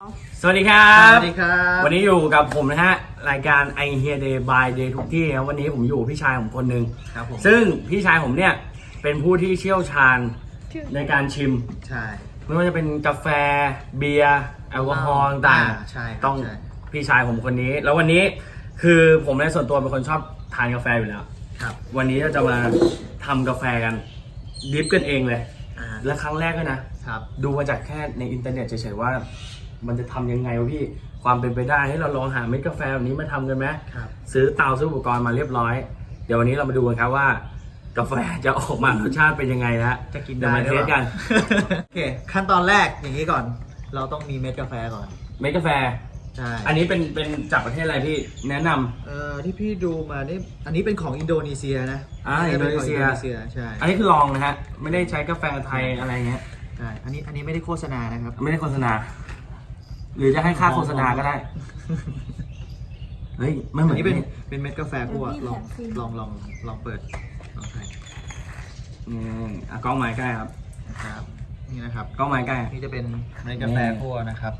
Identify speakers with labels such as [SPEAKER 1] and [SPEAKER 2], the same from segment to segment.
[SPEAKER 1] สวัสดีครับ
[SPEAKER 2] สวัสดีครับ
[SPEAKER 1] วันนี้อยู่กับผมนะฮะรายการ I Hear Day by Day ทุกที่ครับวันนี้ผมอยู่พี่ชายผมคนหนึ่ง
[SPEAKER 2] ครับผม
[SPEAKER 1] ซึ่งพี่ชายผมเนี่ยเป็นผู้ที่เชี่ยวชาญในการชิม
[SPEAKER 2] ใช่
[SPEAKER 1] ไม่ว่าจะเป็นกาแฟเบียร์แอลกอฮอล์ต่าง
[SPEAKER 2] ใช่ครับ
[SPEAKER 1] ต้อง
[SPEAKER 2] ใช่
[SPEAKER 1] พี่ชายผมคนนี้ แล้ววันนี้คือผมในส่วนตัวเป็นคนชอบทานกาแฟอยู่แล้ว
[SPEAKER 2] ครับ
[SPEAKER 1] วันนี้เราจะมาทำกาแฟกันดริฟกันเองเลย
[SPEAKER 2] อ่า
[SPEAKER 1] และครั้งแรกด้วยนะ
[SPEAKER 2] ครับ
[SPEAKER 1] ดูมาจากแค่ในอินเทอร์เน็ตเฉยๆว่า มันจะทำยังไงวะพี่ความเป็นไปได้ให้เราลองหาเม็ดกาแฟแบบนี้มาทำกันไหม
[SPEAKER 2] ครับ
[SPEAKER 1] ซื้อเตาซื้ออุปกรณ์มาเรียบร้อย เดี๋ยววันนี้เรามาดูกันครับว่ากาแฟจะออกมารสชาติเป็นยังไงนะ
[SPEAKER 2] จะกิน
[SPEAKER 1] เดี๋ย
[SPEAKER 2] ได้
[SPEAKER 1] วมาเทสกัน
[SPEAKER 2] โอเคขั้นตอนแรกอย่างนี้ก่อน เราต้องมีเม็ดกาแฟก่อน
[SPEAKER 1] เม็ดกาแฟ
[SPEAKER 2] ใช่
[SPEAKER 1] อันนี้เป็นจากประเทศอะไรพี่แนะนำ
[SPEAKER 2] ที่พี่ดูมานี่อันนี้เป็นของอินโดนีเซียนะ
[SPEAKER 1] อินโดนีเซีย
[SPEAKER 2] ป็ขงอินโดนีเซียใช่
[SPEAKER 1] อันนี้คือลองนะฮะไม่ได้ใช้กาแฟไทยอะไรเงี้ย
[SPEAKER 2] ใช่อันนี้ไม่ได้โฆษณานะครับ
[SPEAKER 1] ไม่ได้โฆษณา หรือจะให้ค่าโฆษณาก็ได้เฮ้ยไม่เหมื
[SPEAKER 2] อั
[SPEAKER 1] อน น
[SPEAKER 2] นี้เป็นเม็ดกาแฟคั่วลองเปิดลองใส่
[SPEAKER 1] กล้องไม้ใกล้ครับ
[SPEAKER 2] นะครับนี่นะครับ
[SPEAKER 1] กล้องไม้ใกล้
[SPEAKER 2] นี่จะเป็นเม็ดกาแฟคั่วนะครับ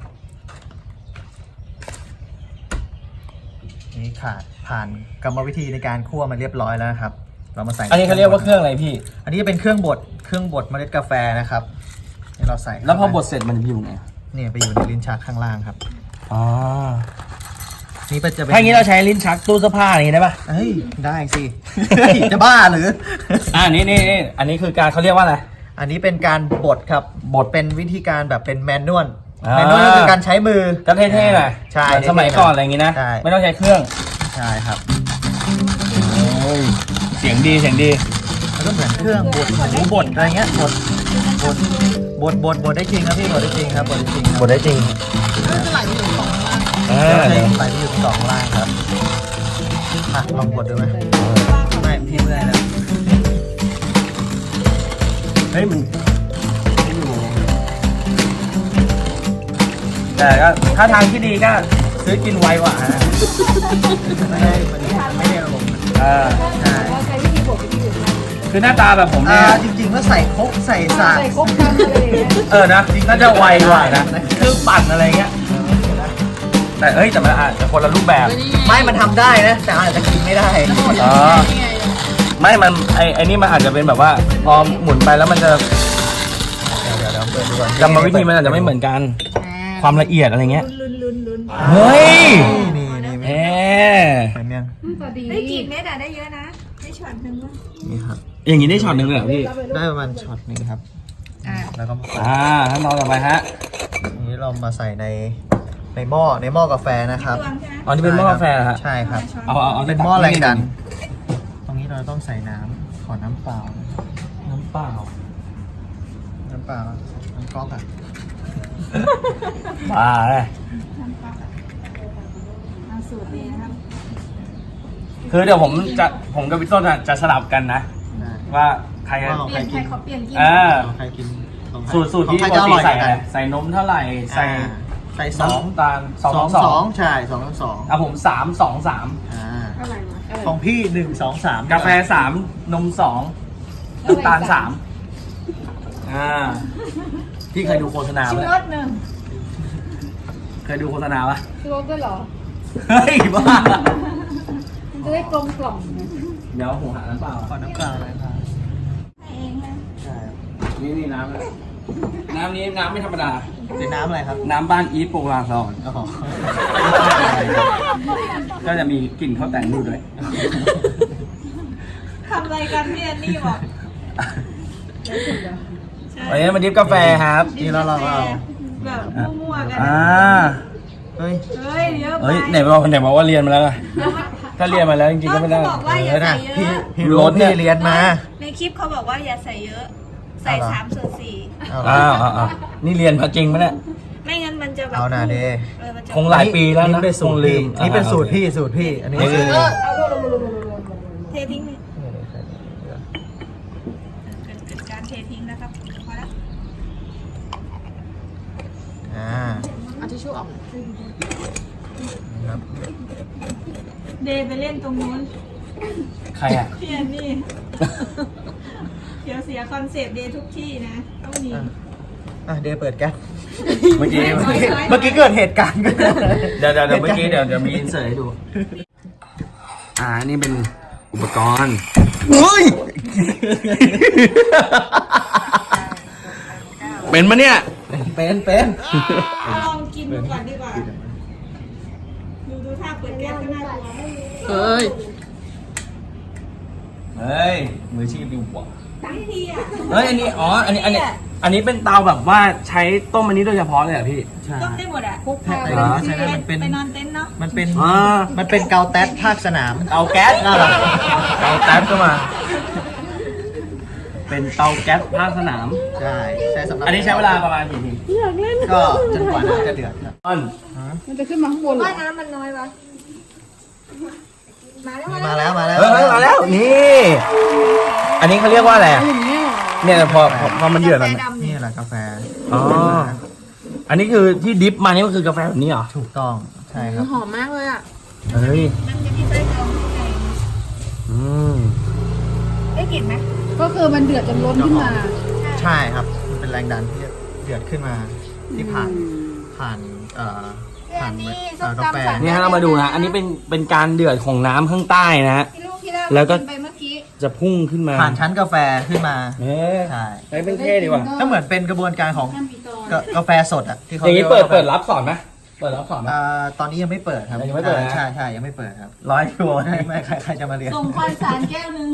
[SPEAKER 2] นี่ผ่านกรรมวิธีในการคั่วมาเรียบร้อยแล้วนะครับ เรามาใส่
[SPEAKER 1] อันนี้เขาเรียกว่าเครื่องอะไรพี่
[SPEAKER 2] อันนี้จะเป็นเครื่องบดเมล็ดกาแฟนะครับนี่เราใส่
[SPEAKER 1] แล้วพอบดเสร็จมันจะอยู่ไหน
[SPEAKER 2] เนี่ยไปอยู่ในลิ้นชักข้างล่างครับ
[SPEAKER 1] อ๋อ
[SPEAKER 2] นี่จะเป็น
[SPEAKER 1] ถ้าอย่างนี้เราใช้ลิ้นชักตู้เสื้อผ้าอย่างนี้ได้ปะ
[SPEAKER 2] เฮ้ยได้สิ จะบ้าหรือ
[SPEAKER 1] นี่อันนี้คือการเขาเรียกว่าอะไร
[SPEAKER 2] อันนี้เป็นการบดครับ
[SPEAKER 1] บด
[SPEAKER 2] เป็นวิธีการแบบเป็นแมนนวล
[SPEAKER 1] อ่า
[SPEAKER 2] แมนนวลก็คือการใช้มือ
[SPEAKER 1] ก็เท่ๆหน่อย
[SPEAKER 2] ใช่
[SPEAKER 1] เหมือนสมัยก่อนอะไรอย่างนี้นะ
[SPEAKER 2] ใช่
[SPEAKER 1] ไม่ต้องใช้เครื่อง
[SPEAKER 2] ใช่ครับ
[SPEAKER 1] เสียงดี
[SPEAKER 2] แล้วก็เหมือนเครื่องบดหมูบดอะไรเงี้ยบดได้จริงครับพี่บดได้จริงครับบดได้จริงครับ
[SPEAKER 1] บดได้จริง
[SPEAKER 2] เดี๋ยวใส่ไปอยู่สองล่างครับอ่ะลองบดดูไหมไม่พี่เมื่อยแล้ว
[SPEAKER 1] เฮ้ยมันแต่ก็ถ้าทางที่ดีก็ซื้อกินไวกว่าฮะ
[SPEAKER 2] ไม่ได้ลง ใช่
[SPEAKER 3] เราใช้วิธีบดวิธีอื่นได้
[SPEAKER 1] คือหน้าตาแบบผมเนี่ย
[SPEAKER 2] จริงๆว่าใส่ครกใส่สาก
[SPEAKER 3] ใส่ครบกันอะไรอย่างเงี้ย
[SPEAKER 1] นะน่าจะไวกว่านะคือปั่นอะไรเงี้ยแต่แต่มันอาจจะคนละรูปแบบ
[SPEAKER 2] ไม่มันทำได้นะ แต่อาจจะกินไม่ได้
[SPEAKER 1] อ๋อไม่มันไอ้นี่มันอาจจะเป็นแบบว่าพอหมุนไปแล้วมันจะ
[SPEAKER 2] เดี๋ยวเปิดดูก่อน
[SPEAKER 1] กรรมวิธีมันอาจจะไม่เหมือนกัน ความละเอียดอะไรเงี้ย
[SPEAKER 3] ลุ้น
[SPEAKER 1] เฮ้ย
[SPEAKER 2] นี่
[SPEAKER 1] เอ๊
[SPEAKER 2] เห็นยัง
[SPEAKER 3] พอดี
[SPEAKER 4] ได้กี่เม็ดอะได้เยอะนะ ได้ช็อตหนึ่งวะ
[SPEAKER 2] นี่ครับ
[SPEAKER 1] อย่างนี้ได้ช็อตหนึ่งเลยเหรอพี่
[SPEAKER 2] ได้ประมาณช็อตหนึงครับ แล้วก็มาใส่
[SPEAKER 1] ขั้นตอนต่อไปฮะ
[SPEAKER 2] อันนี้เรามาใส่ในหม้อกาแฟนะครับ
[SPEAKER 4] ตวงใช่ไหม
[SPEAKER 1] อ๋อนี่เป็นหม้อกาแฟเหรอฮะ
[SPEAKER 2] ใช่ครับ
[SPEAKER 1] เอา
[SPEAKER 2] เป็นหม้อแรงดัน ตรงนี้เราต้องใส่น้ำขอน้ำเปล่า
[SPEAKER 1] น้ำเปล่า
[SPEAKER 2] น้ำก๊อกอ่ะ
[SPEAKER 1] บ้าเลย
[SPEAKER 4] เอาสูตรนี้นะครับ
[SPEAKER 1] คือเดี๋ยวผมกับพี่ต้นจะสลับกันนะ ว่าใคร
[SPEAKER 2] ว่า
[SPEAKER 4] เปลี่ยนใครเขาเปลี่ยนกิน
[SPEAKER 2] ใครกินของ
[SPEAKER 1] สูตรที่
[SPEAKER 2] ของ
[SPEAKER 1] ป
[SPEAKER 2] ใคร
[SPEAKER 1] ก
[SPEAKER 2] จะอ
[SPEAKER 1] ติ
[SPEAKER 2] ร่อย
[SPEAKER 1] ใส่
[SPEAKER 2] กั
[SPEAKER 1] อะไร
[SPEAKER 2] น
[SPEAKER 1] ใส่นมเท่าไหร่ใส่
[SPEAKER 2] ใส่สอง
[SPEAKER 1] น้ำตาล2
[SPEAKER 2] ใช่2
[SPEAKER 1] ผม3 2 3
[SPEAKER 4] อะไรวะ
[SPEAKER 2] ของพี่1 2 3
[SPEAKER 1] กาแฟ3นม2น้ำตาล3พี่เคยดูโฆษณา
[SPEAKER 4] ชิม
[SPEAKER 1] ปะ
[SPEAKER 4] รสหนึ่ง
[SPEAKER 1] เคยดูโฆษณาปะ
[SPEAKER 3] ซื้อรถด้วยเหรอ
[SPEAKER 1] เฮ้ยบ้า
[SPEAKER 3] มันจะได้กลมกล่อมไง
[SPEAKER 1] เดี๋ยวผมหาน้ำเปล่า
[SPEAKER 2] ขอน้ำเปล่าเลยครับ
[SPEAKER 4] ให้เองนะ
[SPEAKER 2] ใช่
[SPEAKER 1] นี่น้ำนี้น้ำไม่ธรรมดา
[SPEAKER 2] เป็นน้ำอะไรครับ
[SPEAKER 1] น้ำบ้านอีทโปรลาซอน
[SPEAKER 2] อ๋อ
[SPEAKER 1] ก็จะมีกลิ่นข้าวแต่งอยู่ด้วย
[SPEAKER 4] ทำอะไรกันพี่แอนนี่บอก
[SPEAKER 1] วันนี้มาดิฟกาแฟครับ
[SPEAKER 2] นี่แล้วเราก็เอา
[SPEAKER 4] แบบมั่วๆกัน
[SPEAKER 2] เฮ้ย
[SPEAKER 4] เฮ้ยเยอะไป
[SPEAKER 1] ไหนบอกว่าเรียนมาแล้วไงถ้าเรียนมาแล้วจริงๆก็ไม่ได้
[SPEAKER 4] เขาบอกว่าอย่าใส่เย
[SPEAKER 2] พี่
[SPEAKER 4] อะ
[SPEAKER 2] พี่รู้พี่เรียนมา
[SPEAKER 4] ในคลิปเขาบอกว่าอย่าใส่เยอะ ใส่3/4
[SPEAKER 2] เอา
[SPEAKER 1] อ้าวนี่เรียนมาจริงไหมเนี่ย
[SPEAKER 4] ไม่งั้นมันจะแบบ
[SPEAKER 2] เอาหน่าเด
[SPEAKER 4] มันจะ
[SPEAKER 1] คงหลายปีแล้วนะ
[SPEAKER 2] นี่เป็นสูตร
[SPEAKER 1] คงลื
[SPEAKER 2] พี่
[SPEAKER 1] ม
[SPEAKER 2] นี่เป็นสูตรพี่ อันนี้คือ
[SPEAKER 4] เททิ้งเลยเกิดการเททิ้งนะครับพอแล้ว
[SPEAKER 3] เอาทิชชู่ออก
[SPEAKER 2] ครับ
[SPEAKER 4] เดย์ไปเล่นตรงนู้น
[SPEAKER 1] ใครอ่ะ
[SPEAKER 4] พี่แอนนี่ เดี๋ยวเสียคอนเซปต์เดย์ทุกที่นะ ต้องมี
[SPEAKER 2] เดย์เปิดแก๊ส
[SPEAKER 1] เมื่อกี้
[SPEAKER 2] เมื่อกี้เกิดเหตุการณ์ขึ้น
[SPEAKER 1] เดี๋ยวเมื่อกี้เดี๋ยวมีอินเสิร์ตให้ดู นี่เป็นอุปกรณ์
[SPEAKER 2] เฮ้ย
[SPEAKER 1] เป็นมะเนี่ย
[SPEAKER 2] เป็น
[SPEAKER 4] ลองกินดูก่อนดีกว่า ดูท่าเปิดแก๊สก็น่ากลัว
[SPEAKER 3] เฮ้ย
[SPEAKER 1] เฮ้ย มืออาชีพดีกว่า
[SPEAKER 4] ตั้งทีอ่ะ
[SPEAKER 1] เฮ้ย อันนี้เป็นเตาแบบว่าใช้ต้มอันนี้โดยเฉพาะเลยเหรอพี่
[SPEAKER 2] ใช่
[SPEAKER 4] ต้มได้หมดอ่ะ
[SPEAKER 3] พวกผ้า
[SPEAKER 2] อ๋อใช่ไหมมันเป็น
[SPEAKER 4] ไปนอนเต็นท์เนาะ
[SPEAKER 2] มันเป็น
[SPEAKER 1] อ่า
[SPEAKER 2] มันเป็นเกาแต๊ดภาคสนาม
[SPEAKER 1] เตาแก๊ส
[SPEAKER 2] น่ารัก
[SPEAKER 1] เตาแก๊สก็มา เป็นเตาแก๊สภาคสนาม
[SPEAKER 2] ใช่ใช้สำหรับ
[SPEAKER 1] อันนี้ใช้เวลาประมาณกี่ที
[SPEAKER 2] ก็จนกว่าน้ำจะเดือดครับ
[SPEAKER 1] ต้น
[SPEAKER 3] มันจะขึ้นมาข้างบนเหรอ
[SPEAKER 4] ว่าน้ำมันน้อยวะมาแล้ว
[SPEAKER 2] มาแล้วมาแล้ว
[SPEAKER 1] เฮ้ยมาแล้ว นี่ อันนี้เขาเรียกว่าอะไรอะ
[SPEAKER 3] อย่างเงี้ยเหรอ
[SPEAKER 1] เนี่ยพอมันเดือดมัน
[SPEAKER 2] นี่แหละกาแฟ
[SPEAKER 1] อ๋อ อันนี้คือที่ดิฟมานี่ก็คือกาแฟแบบนี้เหรอ
[SPEAKER 2] ถูกต้องใช่ครับ
[SPEAKER 3] หอมมากเลยอ่ะ
[SPEAKER 1] เฮ้ย
[SPEAKER 4] มันจะมีไส้กรองข้างใน
[SPEAKER 1] อืม
[SPEAKER 4] ได้กลิ่นไหม
[SPEAKER 3] ก็คือมันเดือดจนล้นขึ้นมา
[SPEAKER 2] ใช่ครับมันเป็นแรงดันที่เดือดขึ้นมาที่ผ่านผ่านกาแฟ
[SPEAKER 1] นี่ฮะเรามาดูนะ อันนี้เป็นการเดือดของน้ำข้างใต้นะฮะ
[SPEAKER 4] ที่ลูกที่เรา
[SPEAKER 1] แล้วก็
[SPEAKER 4] ไปเมื่อกี้
[SPEAKER 1] จะพุ่งขึ้นมา
[SPEAKER 2] ผ่านชั้นกาแฟขึ้นมา
[SPEAKER 1] เฮ้ย
[SPEAKER 2] ใช่
[SPEAKER 1] ไปเป็นเท่ดีว่ะ
[SPEAKER 2] ก็เหมือนเป็นกระบวนการของ
[SPEAKER 3] ห้ามมีตอน
[SPEAKER 2] กาแฟสดอ่ะที่เขา
[SPEAKER 1] อย่างนี้
[SPEAKER 2] รียกว่า
[SPEAKER 1] เปิดรับสอนไหมเปิดรับสอนไหม
[SPEAKER 2] ตอนนี้ยังไม่เปิดครับ
[SPEAKER 1] ยังไม่เปิดนะ
[SPEAKER 2] ใช่ยังไม่เปิดครับ
[SPEAKER 1] 100 กิโล
[SPEAKER 2] ไม่ใครจะมาเรียน
[SPEAKER 4] ส่งคอนสารแก้วนึง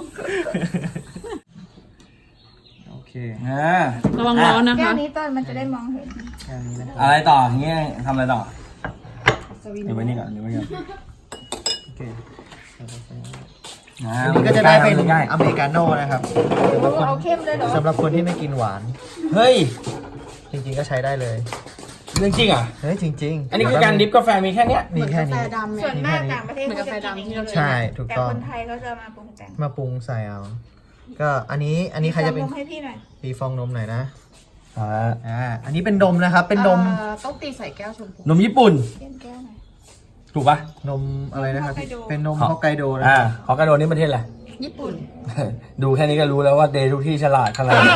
[SPEAKER 2] โอเค
[SPEAKER 3] ระวังร้อนนะ
[SPEAKER 4] แก้
[SPEAKER 3] คะ
[SPEAKER 4] วนี้ต้นมันจะได้มองเห็น
[SPEAKER 2] แค่นี้นะครับ
[SPEAKER 1] อะไรต่ออย่างเงี้ยทำอะไรต่อ
[SPEAKER 3] สวิน
[SPEAKER 1] เดี๋ยวไว้นี่ก่อนเดี๋ยวไว้ก่อน
[SPEAKER 2] โอเค
[SPEAKER 1] อ่า
[SPEAKER 2] อันนี้ก็จะได้เป็น
[SPEAKER 1] ง่าย
[SPEAKER 2] อเมริกาโน่นะครับ
[SPEAKER 4] เอาเข้มเลยเหรอ
[SPEAKER 2] สำหรับคนที่ไม่กินหวาน
[SPEAKER 1] เฮ้ย
[SPEAKER 2] จริงๆก็ใช้ได้เลย
[SPEAKER 1] เรื่องจริงเหรอ่ะ
[SPEAKER 2] เฮ้ยจริงๆ
[SPEAKER 1] อันนี้คือการดิฟกาแฟมีแค่เนี้ย
[SPEAKER 2] มี
[SPEAKER 3] เหมือน
[SPEAKER 2] แค่
[SPEAKER 3] กาแฟ
[SPEAKER 2] นี้
[SPEAKER 3] ดำไหม
[SPEAKER 4] ส่วนมากต่างประเทศ
[SPEAKER 3] เหมือน
[SPEAKER 4] เขา
[SPEAKER 3] กา
[SPEAKER 4] จะ
[SPEAKER 3] แฟ
[SPEAKER 4] กินอย่าง
[SPEAKER 3] ดำที่
[SPEAKER 4] นี้
[SPEAKER 3] เรา
[SPEAKER 4] เลย
[SPEAKER 2] ใช่ถูก
[SPEAKER 4] แต่
[SPEAKER 2] ต้อง
[SPEAKER 4] คนไทยเขาจะมาปรุงแต่ง
[SPEAKER 2] มาปรุงใส่เอา ก็อันนี้ใครจะเป็น
[SPEAKER 4] ลองให้พี่หน่อย
[SPEAKER 2] ตีฟองนมหน่อยนะ
[SPEAKER 1] อ่า
[SPEAKER 2] อันนี้เป็นนมนะครับ เป็นนม
[SPEAKER 3] ต้องตีใส่แก้วชมพู
[SPEAKER 1] นมญี่ปุ่น
[SPEAKER 4] เล่นแก้วหน่อย
[SPEAKER 1] ถูกปะ
[SPEAKER 2] นมอะไรนะครับ
[SPEAKER 4] ฮอกไกโด
[SPEAKER 2] เป็นนมฮอกไกโดนะ
[SPEAKER 1] อ่า
[SPEAKER 2] ครับ
[SPEAKER 1] ฮอกไกโดนี่ประเทศอะไร
[SPEAKER 3] ญี่ปุ่น
[SPEAKER 1] ดูแค่นี้ก็รู้แล้วว่าเดย์ทุกที่ฉลาดขนาดไหน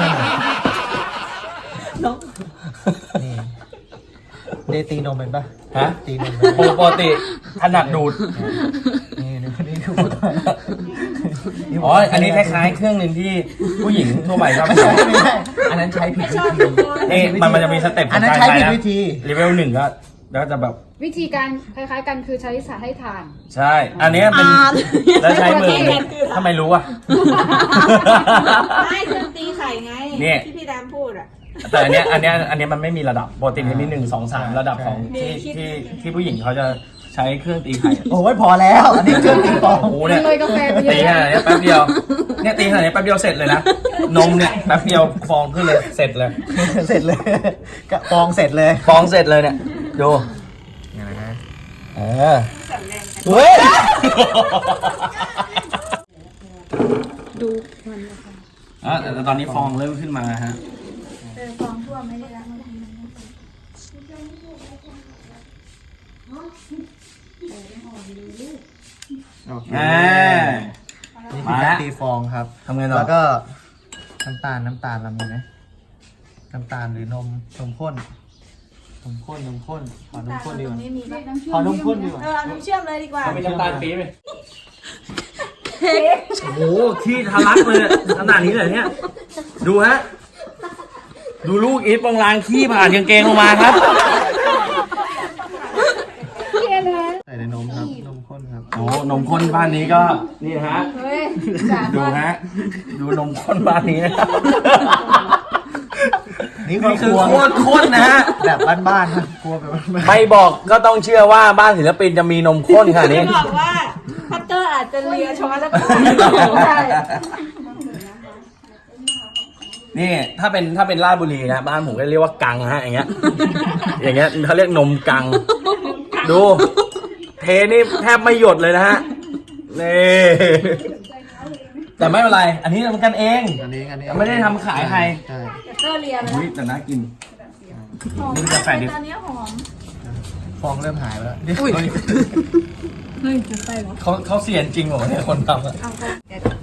[SPEAKER 2] นี่เดตีนมเป็นปะ
[SPEAKER 1] ฮะ
[SPEAKER 2] ตีนมเป็นปะ
[SPEAKER 1] ปกติถนัดดูด
[SPEAKER 2] นี่คือ
[SPEAKER 1] อ๋อ อันนี้คล้ายๆ เครื่องหนึ่งที่ผู้หญิงทั่วไปชอบ
[SPEAKER 2] ไม่
[SPEAKER 1] ใช้
[SPEAKER 2] ใช่อันนั้นใช้ผิด
[SPEAKER 4] ไม่
[SPEAKER 2] วิ
[SPEAKER 4] ชอบ
[SPEAKER 2] ธี
[SPEAKER 4] ทุกคน
[SPEAKER 1] นี่มันจะมีสเต็ปข
[SPEAKER 2] อั
[SPEAKER 1] อน ง
[SPEAKER 2] นั้น
[SPEAKER 1] การ
[SPEAKER 2] ใช้
[SPEAKER 1] ใช้
[SPEAKER 2] ผิด
[SPEAKER 1] นะ
[SPEAKER 2] วิธี
[SPEAKER 1] เลเวล1ก็แล้วจะแบบ
[SPEAKER 3] วิธีการคล้ายๆกันคือใช้สายให้ทาน
[SPEAKER 1] ใช่ อันนี้เป็นแล้วใช้มือทำไมรู้อ่ะ
[SPEAKER 4] ไม่เครื่องตีไข่ไง
[SPEAKER 1] นี่
[SPEAKER 4] ที่พี่ดามพูดอ่ะ
[SPEAKER 1] แต่อันเนี้ยมันไม่มีระดับปกติมันมี1 2 3 ระดับของที่ผู้หญิงเขาจะใช้เครื่องตีไข่
[SPEAKER 2] โอ้ยพอแล้ว อันนี้เครื่องตีฟอง
[SPEAKER 1] โอ้โห
[SPEAKER 3] มั
[SPEAKER 1] เนี่
[SPEAKER 3] น
[SPEAKER 1] ย
[SPEAKER 3] เลยกาแฟไปเย
[SPEAKER 1] ตีข
[SPEAKER 3] อะ
[SPEAKER 1] นาดนี้แป๊บเดียวเนี่ยตีขนาดนี้แป๊บเดียวเสร็จเลยนะนมเนี่ยแป๊บเดียวฟองขึ้นเลยเสร็จเลย
[SPEAKER 2] เสร็จเลยกะฟองเสร็จเลย
[SPEAKER 1] ฟองเสร็จเลยเนี่ยดู
[SPEAKER 2] นี่นะฮะ
[SPEAKER 4] สั่นแรงกัน
[SPEAKER 1] เฮ้ย
[SPEAKER 3] ดูมันนะคะ
[SPEAKER 1] แต่ตอนนี้ฟองเริ่มขึ้นมาฮะ
[SPEAKER 4] ฟองทั่วไม่ได้แล้วมัน
[SPEAKER 2] โอเค
[SPEAKER 1] อ่า
[SPEAKER 2] นี่คือการตีฟองครับ
[SPEAKER 1] ทำไงต่อ
[SPEAKER 2] แล้วก็น้ำตาลเรามีไหมน้ำตาลหรือนมข้นขอน้ำข้นดีกว่า
[SPEAKER 4] ไม่มีปะ
[SPEAKER 2] ขอนมข้นดีกว่า
[SPEAKER 4] เอาน้ำเชื่อมเลยดีกว่า
[SPEAKER 1] มีน้ำตาลปี๊บไหมโอ้โหที่ทะลักเลยขนาดนี้เลยเนี่ยดูฮะดูลูกอีทปองลางขี้ผ่านกางเกงลงมาครับ
[SPEAKER 2] ใส่ในนมครับนมข้นครับ
[SPEAKER 1] โอ้นมข้นบ้านนี้ก็นี่ฮะ
[SPEAKER 3] เฮ้ย
[SPEAKER 1] ดูฮะดูนมข้นบ้านนี้นะครับ
[SPEAKER 2] นี่
[SPEAKER 1] นี่
[SPEAKER 2] คื
[SPEAKER 1] คือ อ
[SPEAKER 2] ค
[SPEAKER 1] โค
[SPEAKER 2] รัว
[SPEAKER 1] ตรข้นนะฮะ
[SPEAKER 2] แบบบ้านๆครับครัวแบบบ้าน
[SPEAKER 1] ไม่บอกก็ต้องเชื่อว่าบ้านศิลปินจะมีนมข้นขนาดนี้
[SPEAKER 4] จะบอกว่าพัตเตอร์อาจจะเลียช้อนแล้วก็ใช่
[SPEAKER 1] นี่ถ้าเป็นราชบุรีนะบ้านผมก็เรียกว่ากังฮะอย่างเงี้ยเขาเรียกนมกัง ดู เทนี่แทบไม่หยดเลยนะฮะนี่แต่ไม่เป็นไร อันนี้ทำกันเอง
[SPEAKER 2] ๆอันนี้
[SPEAKER 1] ไม่ได้ทำขายใคร
[SPEAKER 2] ใช่
[SPEAKER 4] เตอร์เลียไป
[SPEAKER 1] อุ้ยแต่น่ากิน
[SPEAKER 4] หอม
[SPEAKER 1] นี่เป็นกาแฟดิบ
[SPEAKER 4] ตอนนี้หอม
[SPEAKER 2] ฟองเริ่มหายไปแล้ว
[SPEAKER 3] เฮ้ยจะไปเหรอ
[SPEAKER 1] เขาเสียนจริงเหรอเนี่ยคนทำอะ
[SPEAKER 4] เอาไป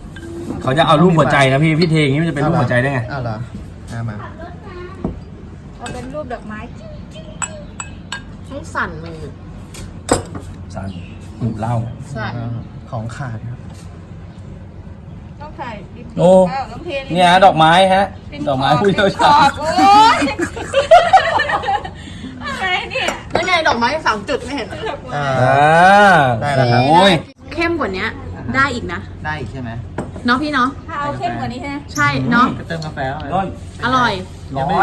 [SPEAKER 1] เขาจะเอารูปหัวใจนะพี่เทอย่างนี้มันจะเป็นรูปหัวใจได้ไง
[SPEAKER 2] อ้าวเหรอมา
[SPEAKER 4] เอาเป็นรูปดอกไม้
[SPEAKER 3] ต้องสั่นมือ
[SPEAKER 1] สันหูเหล่า
[SPEAKER 3] ใช่
[SPEAKER 2] ของขาดครับ
[SPEAKER 4] ต้องถ่ายดิบ
[SPEAKER 1] โอ้
[SPEAKER 4] ต้องเท
[SPEAKER 1] เนี่ยฮะดอกไม้ฮะ ดอกไม้ผู้เชี่ยวชาญ
[SPEAKER 4] โอ้ยอะไรเนี่ย
[SPEAKER 3] แล้วไงดอกไม้3 จุดไม่เห็น
[SPEAKER 2] อ่า ได้
[SPEAKER 1] ได้
[SPEAKER 2] แล้
[SPEAKER 1] แล้ว
[SPEAKER 2] วครับ
[SPEAKER 1] โอ้ย
[SPEAKER 3] เข้มกว่านี้ได้อีกนะ
[SPEAKER 2] ได้อีกใช่ไหม
[SPEAKER 3] เนาะพี่เนาะ
[SPEAKER 4] ถ้าเอาเข้มกว่านี้ใช่ไหม
[SPEAKER 3] ใช่เนาะ
[SPEAKER 2] ก็เติมกาแฟเข้าไป
[SPEAKER 1] ต้น
[SPEAKER 3] อร่อย
[SPEAKER 1] ร้อน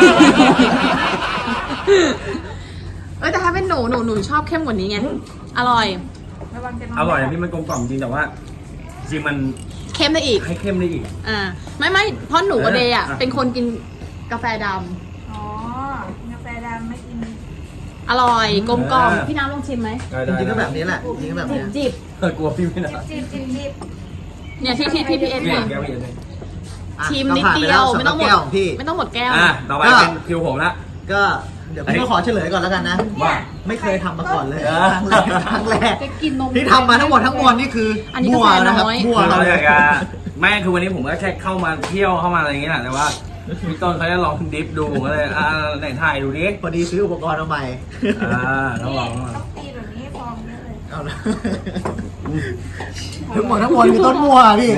[SPEAKER 3] แต่ถ้าเป็นหนูชอบเข้มกว่านี้ไง อร่อย
[SPEAKER 4] ระวังจะนอน
[SPEAKER 1] อร่อยนะพี่มันกลมกล่อมจริงแต่ว่า จริงมัน
[SPEAKER 3] เข้มได้อีก
[SPEAKER 1] ให้เข้มได้อีก
[SPEAKER 3] ไม่เพราะหนูกับเดย์อ่ะ
[SPEAKER 1] อ่ะ
[SPEAKER 3] เป็นคนกินกาแฟด
[SPEAKER 4] อ๋อกาแฟดำไม่กิน
[SPEAKER 3] ำอร่อยกลมกล่อมพี่น้ำลองชิมไหม
[SPEAKER 2] จริงๆก็แบบนี้แหละจริงๆก็แบบนี้
[SPEAKER 3] จิบ
[SPEAKER 1] กลัวพี่ไม่ได้
[SPEAKER 4] จิบ
[SPEAKER 3] เนี่ยที่พี่เอ็น
[SPEAKER 1] เนี่ย
[SPEAKER 3] เนี่ย
[SPEAKER 1] แก้วพี่เอ็นเลย
[SPEAKER 3] ชิมนิดเดียวไม่ต้องหมด
[SPEAKER 2] พี่
[SPEAKER 3] ไม่ต้องหมดแก้ว
[SPEAKER 1] ต่อไปเป็นคิวผมละ
[SPEAKER 2] ก็เดี๋ยวพี่ก็ขอเฉลยก่อนแล้วกันนะ
[SPEAKER 1] ว่า
[SPEAKER 2] ไม่เคยทำมาก่อนเลย
[SPEAKER 1] เออ
[SPEAKER 2] ครั้งแรก
[SPEAKER 3] จะกินนม
[SPEAKER 2] ที่ทำมาทั้งหมดทั้งมวลนี่คืออน
[SPEAKER 3] นี้
[SPEAKER 2] มั่ว
[SPEAKER 3] กาแฟ
[SPEAKER 2] นะครับ
[SPEAKER 3] น้อย
[SPEAKER 2] มั่ว
[SPEAKER 1] คือ
[SPEAKER 2] เรา
[SPEAKER 1] เรา
[SPEAKER 2] เล
[SPEAKER 1] อย ยากจะไม่คือวันนี้ผมก็แค่เข้ามาเที่ยวเข้ามาอะไรอย่างเงี้ยแหละแต่ว่าพี่ต้นเขาจะลองดิฟดูผมก็เลยไหนถ่ายดูดิ
[SPEAKER 2] พอดีซื้ออุปกรณ์มาใหม่
[SPEAKER 1] ต้องลองต้องลอง
[SPEAKER 4] ต้องตีแบบนี้ฟองเยอะเลย
[SPEAKER 2] เอาละทั้งหมดทั้งมวลคือต้นมั่วพี่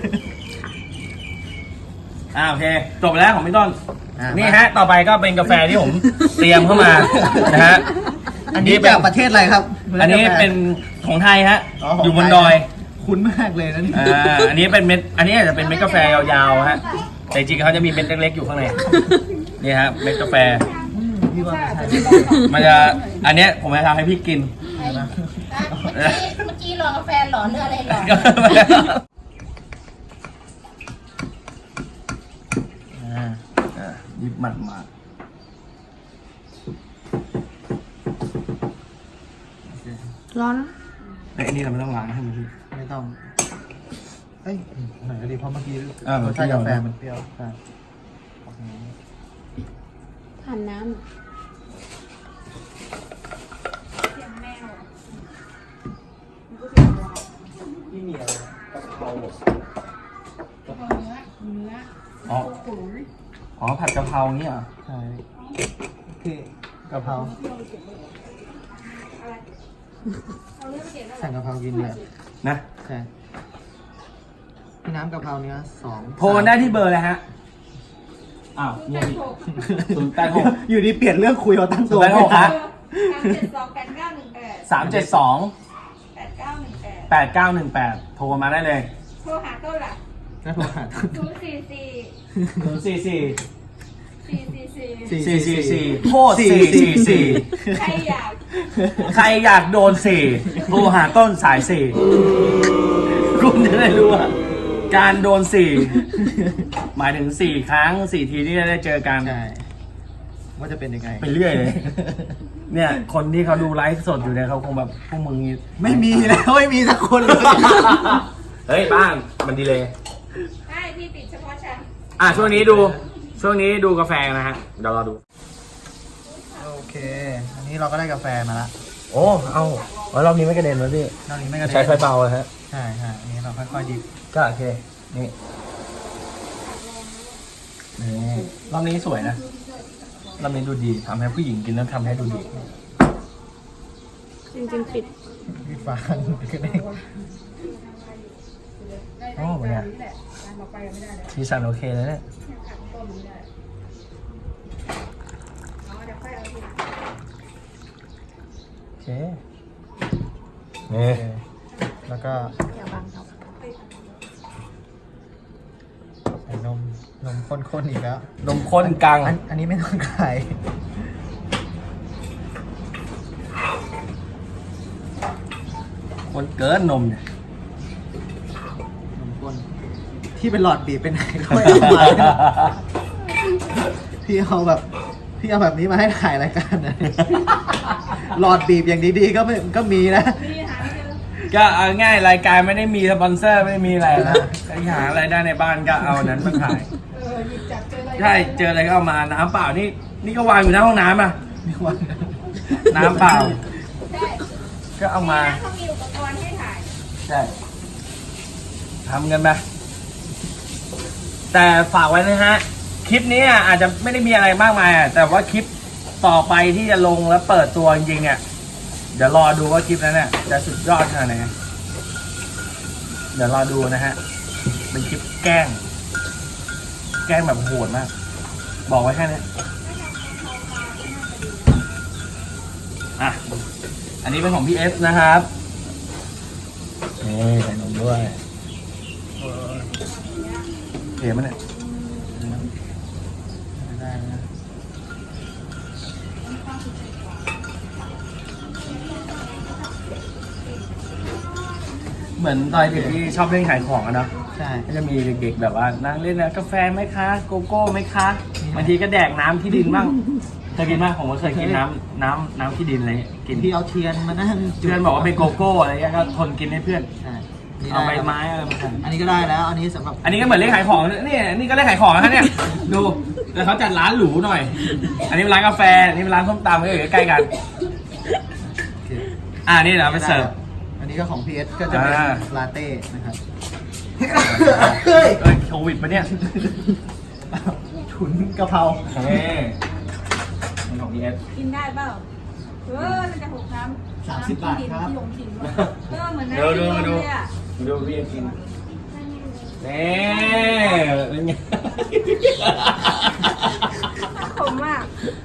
[SPEAKER 1] โอเคจบไปแล้วของพี่ต้น
[SPEAKER 2] อ่ะ
[SPEAKER 1] นี่ฮะต่อไปก็เป็นกาแฟที่ผมเตรียมเข้ามานะฮะ
[SPEAKER 2] อันนี้จากประเทศอะไรครับ
[SPEAKER 1] อันนี้เป็นของไทยฮะ
[SPEAKER 2] อ๋อของไทย
[SPEAKER 1] อยู่บนดอย
[SPEAKER 2] คุ้นมากเลยนะนี่
[SPEAKER 1] อันนี้เป็นเม็ดอันนี้อาจจะเป็นเม็ดกาแฟยาวๆฮะแต่จริงๆเขาจะมีเม็ดเล็กๆอยู่ข้างในนี่ฮะเม็ดกาแฟ
[SPEAKER 2] พี่ว่าไม่ใช่
[SPEAKER 1] มันจะอันเนี้ยผมจะทำให้พี่กิน
[SPEAKER 5] เมื่อกี้รอกาแฟหลอนเรื่องอะไรหลอน
[SPEAKER 1] ยิบมันมา
[SPEAKER 3] ร้อน
[SPEAKER 1] ไอ้นี่เราไม่ต้องล้างให้มันพี่
[SPEAKER 2] ไม่ต้อง เอ้ยหน่อยก็ดีเพราะเมื่อกี้
[SPEAKER 1] มัน
[SPEAKER 2] รส
[SPEAKER 1] เปรี้
[SPEAKER 2] ชาติ
[SPEAKER 1] ยว
[SPEAKER 2] กาแฟมันเปรี้ยวใช่
[SPEAKER 3] ผ่านน้
[SPEAKER 4] เสียงแมว
[SPEAKER 2] ที่มีอะไรกะเพรา
[SPEAKER 1] อ๋อผัดกะเพราเนี่ยเหรอ
[SPEAKER 2] ใช่ที่กะเพราสั่งกะเพรากินเลย
[SPEAKER 1] นะ
[SPEAKER 2] ใช่พี่น้ำกะเพราเนื้อ2
[SPEAKER 1] โทรได้ที่เบอร์เลยฮะอ้าวเนี่ยพี่086
[SPEAKER 2] อยู่ดีเปลี่ยนเรื่องคุยเอาตั้งตัว
[SPEAKER 1] 086ฮะ
[SPEAKER 4] 3728918
[SPEAKER 1] 372
[SPEAKER 4] 8918
[SPEAKER 1] 8918โทรมาได้เลย
[SPEAKER 4] โทรหาต้นล่ะ
[SPEAKER 2] น่าโทรหา
[SPEAKER 4] 044
[SPEAKER 1] 444โทษ444
[SPEAKER 4] ใครอยาก
[SPEAKER 1] ใครอยากโดน4โทรหาต้นสาย4คุณจะได้รู้ว่าการโดน4หมายถึง4ครั้ง4ทีที่ได้เจอกัน
[SPEAKER 2] ใช่ว่าจะเป็นยังไง
[SPEAKER 1] ไปเรื่อยเลย เนี่ย คนที่เขาดูไลฟ์สดอยู่เนี่ยเขาคงแบบพวกมึงนี่
[SPEAKER 2] ไม่มีแล้วไม่มีสักคนเลย
[SPEAKER 1] เฮ้ยบ้านมันดีเลย
[SPEAKER 4] ได้ที่ปิดเฉพาะฉัน
[SPEAKER 1] ช่วงนี้ดูกาแฟนะฮะ เดี๋ยวเราดู
[SPEAKER 2] โอเค อันนี้เราก็ได้กาแฟมาละ
[SPEAKER 1] โอ้เอารอบนี้ไม่กระเด็นเลยพี่
[SPEAKER 2] นอกนี้ไม่กระเด็น
[SPEAKER 1] ใช้ไฟเบาเลยฮะ
[SPEAKER 2] ใช่ใช่อันนี้เราค่อยๆดิบ
[SPEAKER 1] ก็โอเค นี่รอบนี้สวยนะ รอบนี้ดูดีทำให้ผู้หญิงกินแล้วทำให้ดูดี
[SPEAKER 3] ำจริงๆปิด
[SPEAKER 2] ดิบฟานก็ได้
[SPEAKER 1] โอ้เนี่ยสีสันโอเคเลยเนี่ยโอเค นี่
[SPEAKER 2] แล้วก็ใส่นมข้นๆอีกแล้ว
[SPEAKER 1] นมข้นกัง
[SPEAKER 2] อันนี้ไม่ต้องขาย
[SPEAKER 1] คนเกินนมเนี่ย
[SPEAKER 2] นมข้นที่เป็นหลอดบีบเป็นไหนก็ไม่เอามาพี่เอาแบบนี้มาให้ถ่ายรายการนะหลอดบีบอย่างดีๆก็มีนะ
[SPEAKER 1] ก็เอาง่ายรายการไม่ได้มีสปอนเซอร์ไม่ได้มีอะไรนะใครหาอะไรได้ในบ้านก็เอานั้นมาขายใช่เจออะไรก็เอามาน้ำเปล่านี่ก็วางอยู่หน้าห้องน้ำอ่ะ
[SPEAKER 2] มีวัน
[SPEAKER 1] น้ำเปล่า
[SPEAKER 4] ได้
[SPEAKER 1] ก็เอามา
[SPEAKER 4] เขามีอุปกรณ์ให้ถ่าย
[SPEAKER 1] ใช่ทำกันไปแต่ฝากไว้นะฮะคลิปนี้อาจจะไม่ได้มีอะไรมากมายแต่ว่าคลิปต่อไปที่จะลงแล้วเปิดตัวจริงๆเนี่ยเดี๋ยวรอดูว่าคลิปนั้นเนี่ยจะสุดยอดขนาดไหนเดี๋ยวรอดูนะฮะเป็นคลิปแกล้งแบบโหดมากบอกไว้แค่นี้อ่ะอันนี้เป็นของพี่เอสนะครับนี่ใส่นมด้วยเก๋มันเนี่ย
[SPEAKER 2] ได้นะ
[SPEAKER 1] เหมือนตอนเด็กที่ชอบเล่นขายของอะเนาะ
[SPEAKER 2] ใช่
[SPEAKER 1] ก็จะมีเด็กๆแบบว่านั่งเล่นนะกาแฟไหมคะโกโก้ไหมคะบางทีก็แดกน้ำที่ดินบ้างเคยกินมากผมก็เคยกินน้ำที่ดินอะไรกิน
[SPEAKER 2] ที่เอาเทียนมานั่งจุด
[SPEAKER 1] เพื่อนบอกว่าเป็นโกโก้อะไรเงี้ยก็ทนกินให้เพื่อน
[SPEAKER 2] ใช่
[SPEAKER 1] เอาใบไม้อะไรมาท
[SPEAKER 2] อันนี้ก็ได้แล้ว อันนี้สำหรับ
[SPEAKER 1] อันนี้ก็เหมือนเล่นขายของนี่ก็เล่นขายของนะเนี่ยดูแต่เขาจัดร้านหรูหน่อย อันนี้เป็นร้านกาแฟอันนี้เป็นร้านส้มตำก็อยู่ใกล้ๆกัน
[SPEAKER 2] โอเค
[SPEAKER 1] นี่เดี๋ยวเอาไปเสิร์ฟ
[SPEAKER 2] อันนี้ก็ของ PS ก็จะเป็น
[SPEAKER 1] อ่า
[SPEAKER 2] ลาเต้นะครับ
[SPEAKER 1] โควิดปะเนี่ย
[SPEAKER 2] ถุนกะเพรา
[SPEAKER 1] นี่เป็นของพีเอส
[SPEAKER 4] กินได้เปล่ามันจะหกน้ำ
[SPEAKER 2] 30 บาทครับ
[SPEAKER 4] ที่ลงถิ่นวะเหมือนน้ำ
[SPEAKER 1] ดู
[SPEAKER 4] ที่ลงเลยอ่ะ
[SPEAKER 1] ดูพี่เอสกินนี่เป็นไง
[SPEAKER 4] ขมมาก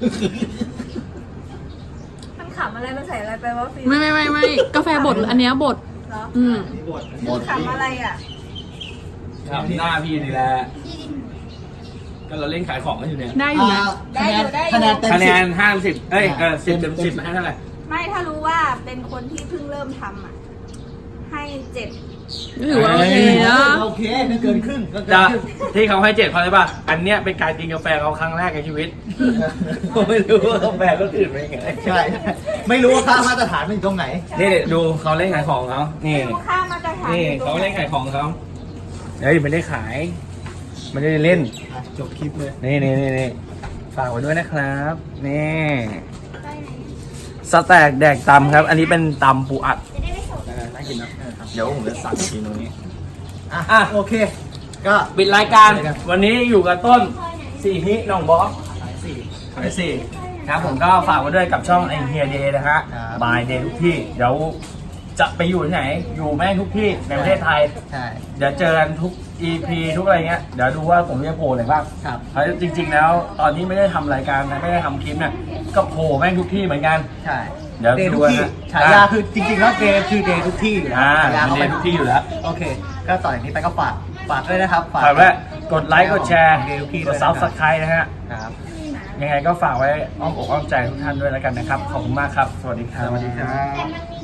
[SPEAKER 4] มันขำอะไรมันใส่อะไรไปวะฟิล์
[SPEAKER 3] ไม่กาแฟบดอันเนี้ยบด
[SPEAKER 4] เหรอ
[SPEAKER 3] อืม
[SPEAKER 2] นี่บด
[SPEAKER 4] ขำอะไรอ่ะ
[SPEAKER 1] ครับหน้าพี่นี่แหละ ก็เราเล่นขายของกันอยู่เนี่ย
[SPEAKER 3] ได้อยู่นะ
[SPEAKER 4] ได้อยู่ได้อยู่
[SPEAKER 2] คะแนนเต็ม
[SPEAKER 1] คะแน
[SPEAKER 2] 10
[SPEAKER 1] น5010 เต็ม 10ให้เท่าไหร่
[SPEAKER 4] ไม่ถ้ารู้ว่าเป็นคนที่เพิ่งเริ่มทำอ่ะ ให้7
[SPEAKER 3] ก็ถือว่าโอเคนะ
[SPEAKER 2] โอเคไม่เกินครึ่งก็เกิน
[SPEAKER 1] จะ
[SPEAKER 2] ครึ่ง
[SPEAKER 1] ที่เขาให้7เพราะอะไรป่ะ อันเนี้ยเป็นการกินกาแฟเขาครั้งแรกในชีวิต ผมไม่รู้ว่ากาแฟรสอื่นเป็นยังไง
[SPEAKER 2] ใช่ ไม่รู้ว่าค่ามาตรฐานมันอยู่ตรงไหน
[SPEAKER 1] นี่ดูเขาเล่นขายของเขานี่
[SPEAKER 4] ดูค่ามาตรฐาน
[SPEAKER 1] นี่
[SPEAKER 4] อยู่ตร
[SPEAKER 1] เขา
[SPEAKER 4] งไหน
[SPEAKER 1] เล่นขายของเขาเฮ้ยไม่ได้ขายไม่ได้เล่น
[SPEAKER 2] จบคลิปเลย
[SPEAKER 1] นี่ฝากไว้ด้วยนะครับ นี่สแต็กแดกตำครับ อันนี้เป็นตำปูอัดน่ากินนะเดี๋ยวผมจะสั่งกินตรงนี้
[SPEAKER 2] อ่ะโอเค ก็
[SPEAKER 1] ปิดรายการวันนี้อยู่กับต้นสี่ฮิน้องบอสขายสี่ครับผมก็ฝากไว้ด้วยกับช่องไอเฮียเดย์นะฮะบายเดย์ทุกที่เดี๋ยวจะไปอยู่ที่ไหน อยู่แม่งทุกที่ในประเทศไทย
[SPEAKER 2] ใช่
[SPEAKER 1] เดี๋ยวเจอกันทุก EP ทุกอะไรเงี้ยเดี๋ยวดูว่าผมจะโผล่อะไรบ้าง
[SPEAKER 2] ครับ
[SPEAKER 1] เพราะจริง ๆ แล้วตอนที่ไม่ได้ทำรายการนะไม่ได้ทำคลิปเนี่ยก็โผล่แม่งทุกที่เหมือนกัน
[SPEAKER 2] ใช่
[SPEAKER 1] เดี๋ยว
[SPEAKER 2] เดย์
[SPEAKER 1] ดู
[SPEAKER 2] ทุกที่
[SPEAKER 1] นะ
[SPEAKER 2] ฉายาคือจริงๆแล้วเดย์คือเดย์ทุกที่อยู่แล้ว
[SPEAKER 1] อ่า
[SPEAKER 2] ฉายา
[SPEAKER 1] เป็น
[SPEAKER 2] เขา
[SPEAKER 1] เด
[SPEAKER 2] เป็น
[SPEAKER 1] ย์ทุกที่อยู่แล้ว
[SPEAKER 2] โอเค ก็ต่อจากนี้ไปก็ฝากด้วยนะครับ
[SPEAKER 1] ฝากไว้กดไลค์กดแชร์
[SPEAKER 2] เดย์ทุกที่
[SPEAKER 1] ก
[SPEAKER 2] ด้ว
[SPEAKER 1] ด
[SPEAKER 2] ย
[SPEAKER 1] ซั
[SPEAKER 2] นะ
[SPEAKER 1] บสไครต์นะฮะ
[SPEAKER 2] ครับ
[SPEAKER 1] ยังไงก็ฝากไว้อ้อมอกอ้อมใจทุกท่านด้วยแล้วกันนะครับ ขอบคุณมากครับ สวัสดีครับ
[SPEAKER 2] สวัสดีครับ
[SPEAKER 5] แต่มันมี